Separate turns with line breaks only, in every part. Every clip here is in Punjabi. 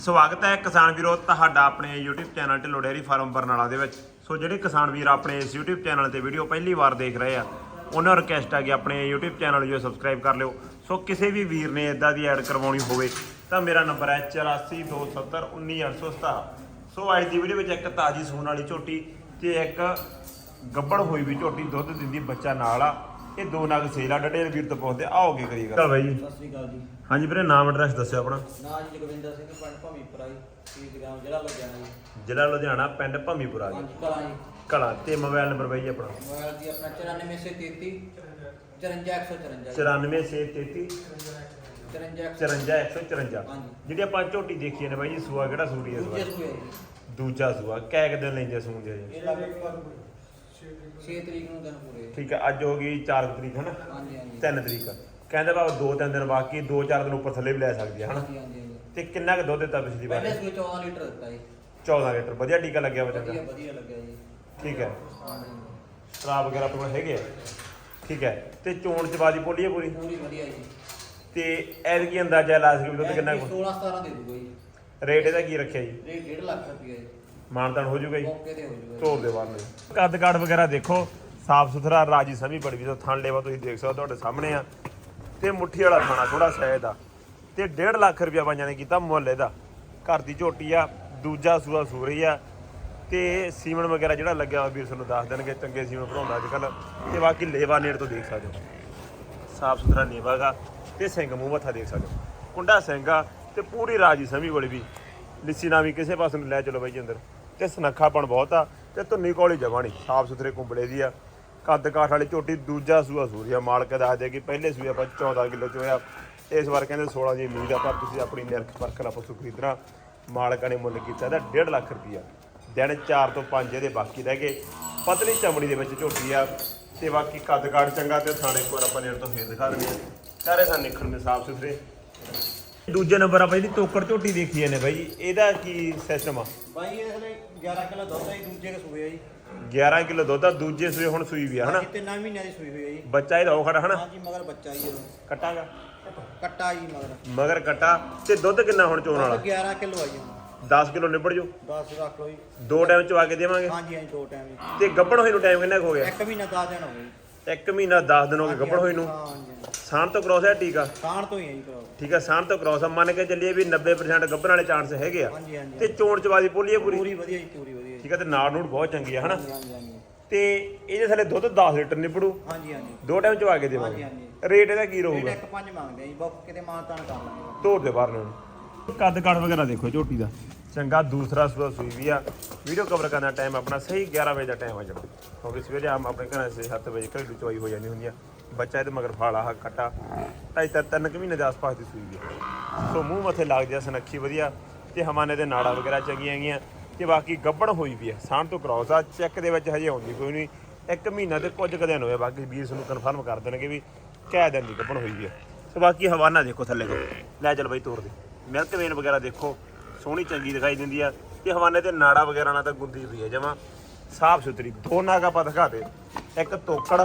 ਸਵਾਗਤ ਹੈ ਕਿਸਾਨ ਵੀਰੋ ਤੁਹਾਡਾ ਆਪਣੇ YouTube channel Dhillon dairy farm Barnala ਦੇ ਵਿੱਚ। ਸੋ ਜਿਹੜੇ ਕਿਸਾਨ ਵੀਰ ਆਪਣੇ ਇਸ YouTube ਚੈਨਲ ਤੇ ਵੀਡੀਓ ਪਹਿਲੀ ਵਾਰ ਦੇਖ ਰਹੇ ਆ ਉਹਨਾਂ ਨੂੰ ਰਿਕਵੈਸਟ ਹੈ ਕਿ ਆਪਣੇ YouTube ਚੈਨਲ ਨੂੰ ਸਬਸਕ੍ਰਾਈਬ ਕਰ ਲਿਓ। ਸੋ ਕਿਸੇ ਵੀ ਵੀਰ ਨੇ ਇਦਾਂ ਦੀ ਐਡ ਕਰਵਾਉਣੀ ਹੋਵੇ ਤਾਂ ਮੇਰਾ ਨੰਬਰ ਹੈ 8427191817। ਸੋ ਅੱਜ ਦੀ ਵੀਡੀਓ ਵਿੱਚ ਇੱਕ ਤਾਜੀ ਸੂਣ ਵਾਲੀ ਝੋਟੀ ਤੇ ਇੱਕ ਗੱਬੜ ਹੋਈ ਵੀ ਝੋਟੀ ਦੁੱਧ ਦਿੰਦੀ ਬੱਚਾ ਨਾਲ ਆ। ਇਹ ਦੋ ਨਗ ਸੇਲ ਆ। ਡਿਟੇਲ ਵੀਰ ਤੋਂ ਪੁੱਛਦੇ ਆਓਗੇ ਕਰੀਏਗਾ। ਚਲ ਬਾਈ ਜੀ
ਸਤਿ ਸ਼੍ਰੀ ਅਕਾਲ ਜੀ।
ਹਾਂਜੀ ਵੀਰੇ ਨਾਮ ਐਡਰੈਸ ਦੱਸਿਓ ਆਪਣਾ।
ਨਾਮ ਜੀ ਜਗਵਿੰਦਰ ਸਿੰਘ ਪਿੰਡ ਭਮੀਪੁਰਾ ਜੀ, ਗ੍ਰਾਮ ਜ਼ਿਲ੍ਹਾ ਲੁਧਿਆਣਾ ਜੀ।
ਜ਼ਿਲ੍ਹਾ ਲੁਧਿਆਣਾ ਪਿੰਡ ਭਮੀਪੁਰਾ ਜੀ।
ਹਾਂਜੀ ਕਲਾਂ ਜੀ।
ਕਲਾ ਤੇ ਮੋਬਾਈਲ ਨੰਬਰ ਬਾਈ ਆਪਣਾ
ਮੋਬਾਈਲ ਜੀ ਆਪਣਾ 94633 54154
94633 54154।
ਹਾਂਜੀ।
ਜਿਹੜੀ ਆਪਾਂ ਝੋਟੀ ਦੇਖੀ ਨੇ ਬਾਈ ਜੀ ਸੂਆ ਕਿਹੜਾ ਸੂਰੀ ਹੈ?
ਦੂਜੇ ਸੂਏ ਜੀ।
ਦੂਜਾ ਸੂਆ ਕੈ ਕਿ ਦਿਨ ਲੈਂਦੇ ਸੂਣ ਦੇ ਜੀ?
ਇਹ ਲਗਭਗ 6 ਤਰੀਕ ਨੂੰ ਦਿਨ ਪੂਰੇ।
ਠੀਕ ਹੈ, ਅੱਜ ਹੋ ਗਈ 4 ਤਰੀਕ ਹੈ ਨਾ?
ਹਾਂਜੀ ਹਾਂਜੀ।
3 ਤਰੀਕ ਕਹਿੰਦੇ ਬਾਬਾ 2-3 ਦਿਨ ਬਾਕੀ 2-4 ਦਿਨ ਉੱਪਰ ਥੱਲੇ ਵੀ ਲੈ ਸਕਦੀ ਹੈ ਹਨਾ?
ਹਾਂਜੀ ਹਾਂਜੀ।
ਤੇ ਕਿੰਨਾ ਕੁ ਦੁੱਧ ਦਿੱਤਾ ਪਿਛਲੀ ਵਾਰ?
ਪਹਿਲੇ ਸੂਏ 14 ਲੀਟਰ ਦਿੱਤਾ ਜੀ।
14 ਲੀਟਰ। ਵਧੀਆ ਟੀਕਾ ਲੱਗਿਆ ਬੱਚਾ?
ਵਧੀਆ ਵਧੀਆ ਲੱਗਿਆ ਜੀ।
ਠੀਕ ਹੈ।
ਹਾਂਜੀ
ਸ਼ਰਾਬ ਵਗੈਰਾ ਆਪਣੇ ਕੋਲ ਹੈਗੇ ਆ? ਠੀਕ ਹੈ। ਤੇ ਚੋਣ ਚਬਾਦੀ ਪੋਲੀ ਹੈ ਪੂਰੀ?
ਪੂਰੀ ਵਧੀਆ ਜੀ।
ਤੇ ਐਤਕੀ ਅੰਦਾਜ਼ਾ ਲਾ ਸਕੇ ਵੀ ਦੁੱਧ ਕਿੰਨਾ ਕੁ?
16-17 ਦੇ ਦੂਗਾ ਜੀ।
ਰੇਟ ਇਹਦਾ ਕੀ ਰੱਖਿਆ ਜੀ?
ਰੇਟ 1.5 ਲੱਖ ਰੁਪਏ ਜੀ।
ਮਾਨਤਾਨ ਹੋ ਜਾਊਗਾ ਜੀ?
ਮੌਕੇ ਤੇ ਹੋ ਜਾਊਗਾ।
ਤੋੜ ਦੇ ਬਾਹਰ ਨੂੰ ਕੱਦ ਕਾਠ ਵਗੈਰਾ ਦੇਖੋ, ਸਾਫ ਸੁਥਰਾ ਰਾਜੀ ਸਮੀ ਬੜੀ ਵੀ ਥਣ ਲੇਵਾ ਤੁਸੀਂ ਦੇਖ ਸਕਦੇ ਤੁਹਾਡੇ ਸਾਹਮਣੇ ਆ। ਤੇ ਮੁੱਠੀ ਵਾਲਾ ਖਾਣਾ ਥੋੜਾ ਸ਼ਾਇਦ ਆ। ਤੇ 1.5 ਲੱਖ ਰੁਪਇਆ ਬਾਈਆਂ ਨੇ ਕੀਤਾ ਮੁੱਲ ਇਹਦਾ। ਘਰ ਦੀ ਝੋਟੀ ਆ, ਦੂਜਾ ਸੂਆ ਸੂਰੀ ਆ। ਤੇ ਸੀਮਨ ਵਗੈਰਾ ਜਿਹੜਾ ਲੱਗਿਆ ਵੀਰ ਤੁਹਾਨੂੰ ਦੱਸ ਦੇਣਗੇ, ਚੰਗੇ ਸੀਮਨ ਬਣਾਉਂਦਾ ਅੱਜ ਕੱਲ੍ਹ। ਤੇ ਬਾਕੀ ਲੇਵਾ ਨੇੜ ਤੋਂ ਦੇਖ ਸਕਦੇ ਹੋ, ਸਾਫ ਸੁਥਰਾ ਲੇਵਾ ਗਾ। ਤੇ ਸਿੰਘ ਮੂੰਹ ਮੱਥਾ ਦੇਖ ਸਕਦੇ ਹੋ, ਕੁੰਡਾ ਸਿੰਘ ਆ। ਤੇ ਪੂਰੀ ਰਾਜੀ ਸਮੀ ਕੋਲ ਵੀ ਲਿੱਸੀ ਨਾ ਵੀ ਕਿਸੇ ਪਾਸੇ ਨੂੰ ਲੈ ਚਲੋ ਬਾਈ ਜੀ ਅੰਦਰ। ਤੇ ਸਨੱਖਾਪਣ ਬਹੁਤ ਆ ਤੇ ਧੁੰਨੀ ਕੋਲੀ ਜਮਾ ਨਹੀਂ, ਸਾਫ ਸੁਥਰੇ ਕੁੰਬਲੇ ਦੀ ਆ। ਕੱਦ ਕਾਠ ਵਾਲੀ ਝੋਟੀ, ਦੂਜਾ ਸੂਆ ਸੂਰੀ ਆ। ਮਾਲਕ ਦੱਸਦੇ ਕਿ ਪਹਿਲੇ ਸੂਏ ਆਪਾਂ 14 ਕਿਲੋ ਚੋਇਆ, ਇਸ ਵਾਰ ਕਹਿੰਦੇ 16 ਦੀ ਉਮੀਦ ਆ। ਪਰ ਤੁਸੀਂ ਆਪਣੀ ਨਿਰਖ ਪਰਖ ਨਾਲ ਪਸ਼ੂ ਖਰੀਦਣਾ। ਮਾਲਕਾਂ ਨੇ ਮੁੱਲ ਕੀਤਾ ਇਹਦਾ 1.5 ਲੱਖ ਰੁਪਈਆ। ਦਿਨ 4 ਤੋਂ 5 ਇਹਦੇ ਬਾਕੀ ਰਹਿ ਗਏ। ਪਤਲੀ ਚਮੜੀ ਦੇ ਵਿੱਚ ਝੋਟੀ ਆ। ਤੇ ਬਾਕੀ ਕੱਦ ਕਾਠ ਚੰਗਾ ਤੇ ਥਾਣੇ ਇੱਕ ਵਾਰ ਆਪਾਂ ਨੇੜ ਤੋਂ ਫੇਰ ਦਿਖਾ ਦਿੰਦੇ ਆ। ਸਾਰੇ ਥਾਂ ਨਿਕਲਣ ਦੇ ਸਾਫ ਸੁਥਰੇ। ਦੂਜੇ ਨੰਬਰ ਆਪਾਂ ਜਿਹੜੀ ਤੋਕੜ ਝੋਟੀ ਦੇਖੀ ਨੇ ਬਾਈ, ਇਹਦਾ ਕੀ ਸਿਸਟਮ ਆ?
ਬਾਈ ਇਹ ਹਲੇ 11 ਕਿਲੋ ਦੁੱਧ ਹੈ ਜੀ, ਦੂਜੇ ਕੇ ਸੂਏ ਆ ਜੀ।
11 ਕਿਲੋ ਦੁੱਧ ਆ, ਦੂਜੇ ਸੂਏ ਹੁਣ ਸੂਈ ਵੀ ਆ ਹਨਾ?
3 ਮਹੀਨਿਆਂ ਦੀ ਸੂਈ ਹੋਈ ਹੈ ਜੀ।
ਬੱਚਾ ਇਹਦਾ ਉਹ ਖੜਾ ਹਨਾ?
ਹਾਂਜੀ ਮਗਰ ਬੱਚਾ ਜੀ।
ਕੱਟਾਗਾ
ਕੱਟਾ ਜੀ
ਮਗਰ ਕੱਟਾ। ਤੇ ਦੁੱਧ ਕਿੰਨਾ ਹੁਣ ਚੋਣ ਵਾਲਾ?
11 ਕਿਲੋ ਆ ਜੀ।
10 ਕਿਲੋ ਨਿਬੜ ਜੂ?
10 ਰੱਖ ਲਓ ਜੀ।
2 ਟਾਈਮ ਚਵਾ ਕੇ ਦੇਵਾਂਗੇ?
ਹਾਂਜੀ ਹਾਂਜੀ 2 ਟਾਈਮ ਜੀ।
ਤੇ ਗੱਭਣ ਹੋਈ ਨੂੰ ਟਾਈਮ ਕਿੰਨਾ ਕੁ ਹੋ ਗਿਆ?
1 ਮਹੀਨਾ 10 ਦਿਨ ਹੋ ਗਏ ਜੀ।
1 ਮਹੀਨਾ 10 ਦਿਨ ਹੋ ਗਏ ਗੱਭਣ ਹੋਈ ਨੂੰ।
ਹਾਂਜੀ
ਸਾਣ ਤੋਂ ਕ੍ਰੋਸ ਹੈ ਟੀਕਾ?
ਸਾਣ ਤੋਂ ਹੀ ਹੈ ਜੀ ਕਰਾਓ।
ਠੀਕ ਹੈ, ਸਾਣ ਤੋਂ ਕ੍ਰੋਸ ਆ। ਮੰਨ ਕੇ ਚੱਲੀਏ ਵੀ 90% ਗੱਭਣ ਵਾਲੇ ਚਾਂਸ ਹੈਗੇ ਆ।
ਹਾਂਜੀ ਹਾਂਜੀ।
ਤੇ ਚੋਣ ਚਵਾਦੀ ਪੋਲੀ ਹੈ ਪੂਰੀ?
ਪੂਰੀ ਵਧੀਆ ਜੀ, ਪੂਰੀ ਵਧੀਆ ਜੀ।
ਠੀਕ ਹੈ। ਤੇ ਨਾੜ ਨੂੜ ਬਹੁਤ ਚੰਗੀ ਆ ਹਨਾ?
ਹਾਂਜੀ ਹਾਂਜੀ।
ਤੇ ਇਹਦੇ ਥੱਲੇ ਦੁੱਧ 10 ਲੀਟਰ ਨਿਬੜੂ?
ਹਾਂਜੀ ਹਾਂਜੀ।
2 ਟਾਈਮ ਚਵਾ ਕੇ ਦੇਵਾਂਗੇ।
ਹਾਂਜੀ।
ਰੇਟ ਇਹਦਾ ਕੀ
ਰੇਟ
ਰਹੂਗਾ?
1.5 ਮੰਗਦੇ ਆ ਜੀ। ਬੁੱਕ ਕਿਤੇ ਮਾਨਤਾਨ ਕਰ ਲਾਂਗੇ।
ਤੋੜ ਦੇ ਬਾਹਰ ਨੂੰ। ਕੱਦ ਕਾਠ ਵਗੈਰਾ ਦੇਖੋ ਝੋਟੀ ਦਾ ਚੰਗਾ। ਦੂਸਰਾ ਸੂਆ ਸੂਈ ਵੀ ਆ। ਵੀਡੀਓ ਕਵਰ ਕਰਨ ਦਾ ਟਾਈਮ ਆਪਣਾ ਸਹੀ 11 ਵਜੇ ਦਾ ਟਾਈਮ ਆ ਜਾਣਾ, ਕਿਉਂਕਿ ਸਵੇਰੇ ਆਮ ਆਪਣੇ ਘਰਾਂ 7 ਵਜੇ ਘਰੇਲੂ ਚਵਾਈ ਹੋ ਜਾਂਦੀ ਹੁੰਦੀ ਆ। ਬੱਚਾ ਇਹਦੇ ਮਗਰ ਫਾਲਾ ਹਾ ਕੱਟਾ 2.5-3 ਮਹੀਨੇ ਦੇ ਆਸ-ਪਾਸ ਦੀ ਸੂਈ ਵੀ। ਸੋ ਮੂੰਹ ਮੱਥੇ ਲੱਗ ਜਾ, ਸੁਨੱਖੀ ਵਧੀਆ। ਤੇ ਹਮਾਨੇ ਦੇ ਨਾੜਾ ਵਗੈਰਾ ਚੰਗੀਆਂ ਹੈਗੀਆਂ। ਤੇ ਬਾਕੀ ਗੱਭਣ ਹੋਈ ਵੀ ਆ। ਸਾਂਢ ਤੋਂ ਕ੍ਰੋਸ ਆ। ਚੈੱਕ ਦੇ ਵਿੱਚ ਹਜੇ ਆਉਂਦੀ ਕੋਈ ਨਹੀਂ। 1 ਮਹੀਨਾ ਤੇ ਕੁਝ ਕੁ ਦਿਨ ਹੋਏ। ਬਾਕੀ ਵੀਰ ਨੂੰ ਕਨਫਰਮ ਕਰ ਦੇਣਗੇ ਵੀ ਕਿਹ ਦਿਨ ਦੀ ਗੱਭਣ ਹੋਈ ਵੀ ਆ। ਸੋ ਬਾਕੀ ਹਵਾਨਾ ਦੇਖੋ ਥੱਲੇ ਕੋ ਲੈ ਚੱਲ ਬਾਈ ਤੋੜ ਦੇ। ਮਿਲਕ ਵੇਨ ਵਗੈਰਾ ਦੇਖੋ ਸੋਹਣੀ ਚੰਗੀ ਦਿਖਾਈ ਦਿੰਦੀ ਆ। ਤੇ ਹਵਾਨੇ ਤੇ ਨਾੜਾ ਵਗੈਰਾ ਨਾਲ ਤਾਂ ਗੁੰਦੀ ਪਈ ਆ ਜਮਾਂ ਸਾਫ ਸੁਥਰੀ। 2 ਨਾਗ ਆਪਾਂ ਦਿਖਾ ਦੇ, ਇੱਕ ਤੋਕੜ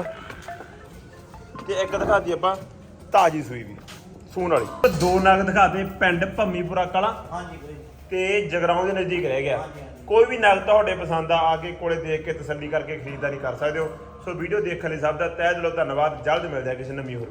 ਤੇ ਇੱਕ ਦਿਖਾਤੀ ਆਪਾਂ ਤਾਜੀ ਸੂਈ ਵੀ ਸੂਣ ਵਾਲੀ। 2 ਨਾਗ ਦਿਖਾਤੇ ਪਿੰਡ ਭੰਮੀਪੁਰਾ ਕਲਾਂ
ਹਾਂਜੀ ਵੀਰੇ।
ਤੇ ਜਗਰਾਉਂ ਦੇ ਨਜ਼ਦੀਕ ਰਹਿ ਗਿਆ।
ਹਾਂਜੀ ਹਾਂਜੀ।
ਕੋਈ ਵੀ ਨਗ ਤੁਹਾਡੇ ਪਸੰਦ ਆ ਕੇ ਕੋਲੇ ਦੇਖ ਕੇ ਤਸੱਲੀ ਕਰਕੇ ਖਰੀਦਦਾਰੀ ਕਰ ਸਕਦੇ ਹੋ। ਸੋ ਵੀਡੀਓ ਦੇਖਣ ਲਈ ਸਭ ਦਾ ਤਹਿ ਦਿਲੋਂ ਧੰਨਵਾਦ। ਜਲਦ ਮਿਲਦੇ ਆ ਕਿਸੇ ਨਵੀਂ ਹੋਰ